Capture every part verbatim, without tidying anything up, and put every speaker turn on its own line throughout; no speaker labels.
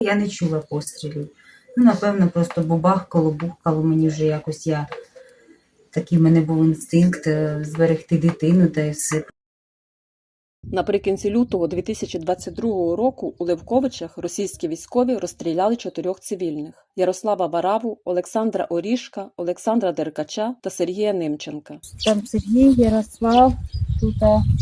Я не чула пострілів. Ну, напевно, просто бабахкало, бухкало мені вже якось. Я такий в мене був інстинкт зберегти дитину та й все.
Наприкінці лютого дві тисячі двадцять другого року у Левковичах російські військові розстріляли чотирьох цивільних – Ярослава Вараву, Олександра Орішка, Олександра Деркача та Сергія Немченка.
Там Сергій, Ярослав, тут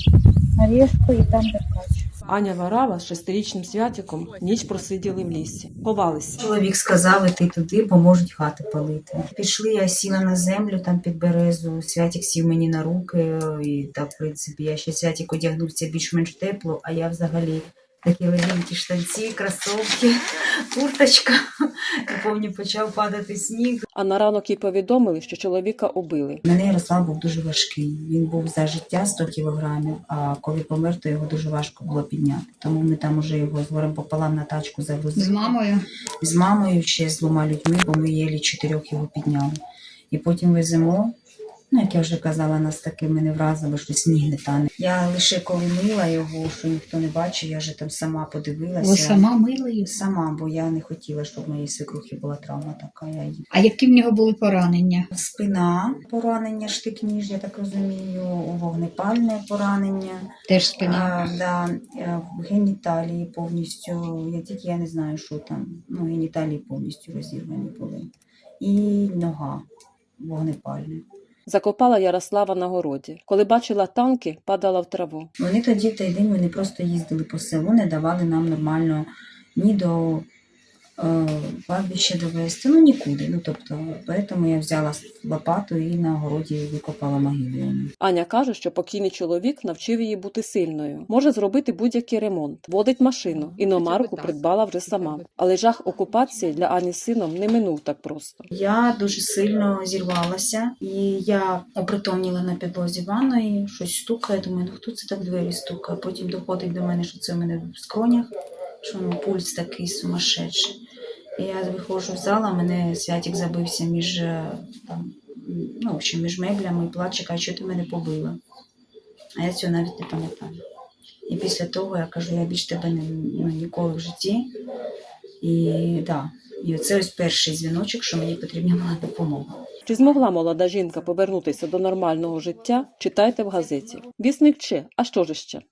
Орешко і там Деркач.
Аня Варава з шестирічним Святіком ніч просиділи в лісі. Ховалися.
Чоловік сказав, іти туди, бо можуть хати палити. Пішли, я сіла на землю там під березу, Святік сів мені на руки, і так, в принципі, я ще Святік одягнувся більш-менш тепло, а я взагалі такі легенькі штанці, кросовки, курточка, і повні почав падати сніг.
А на ранок їй повідомили, що чоловіка убили.
У мене Ярослав був дуже важкий. Він був за життя сто кілограмів, а коли помер, то його дуже важко було підняти. Тому ми там уже його з горем пополам на тачку завезли.
З мамою?
З мамою, ще з двома людьми, бо ми єлі чотирьох його підняли. І потім веземо. Ну, як я вже казала, нас такими не вразило, що сніг не тане. Я лише коли мила його, що ніхто не бачив, я вже там сама подивилася.
Ви сама мила її?
Сама, бо я не хотіла, щоб в моїй свекрухи була травма така. Я її...
А які в нього були поранення?
Спина, поранення, штик-ніж, я так розумію, вогнепальне поранення.
Теж спина?
А, да, в геніталії повністю, я тільки я не знаю, що там, ну, геніталії повністю розірвані були. І нога вогнепальна.
Закопала Ярослава на городі. Коли бачила танки, падала в траву.
Вони тоді в той день вони просто їздили по селу, не давали нам нормально ні до е, кладбища довести, ну нікуди. Ну, тобто, тому я взяла лопату і на городі викопала могилу.
Аня каже, що покійний чоловік навчив її бути сильною. Може зробити будь-який ремонт. Водить машину. Іномарку придбала вже сама. Але жах окупації для Ані з сином не минув так просто.
Я дуже сильно зірвалася, і я опритомніла на підлозі ванної, щось стукає, думаю, ну хто це так в двері стукає? Потім доходить до мене, що це в мене в скронях, що ну, пульс такий сумасшедший. І я виходжу в зал, а мене Святік забився між, там, ну, в общем, між меблями і плаче, каже, що ти мене побила. А я цього навіть не пам'ятаю. І після того я кажу, я більш тебе не, ну, ніколи в житті. І да. І оце ось перший дзвіночок, що мені потрібна була допомога.
Чи змогла молода жінка повернутися до нормального життя, читайте в газеті. Вісник Че, а що ж ще?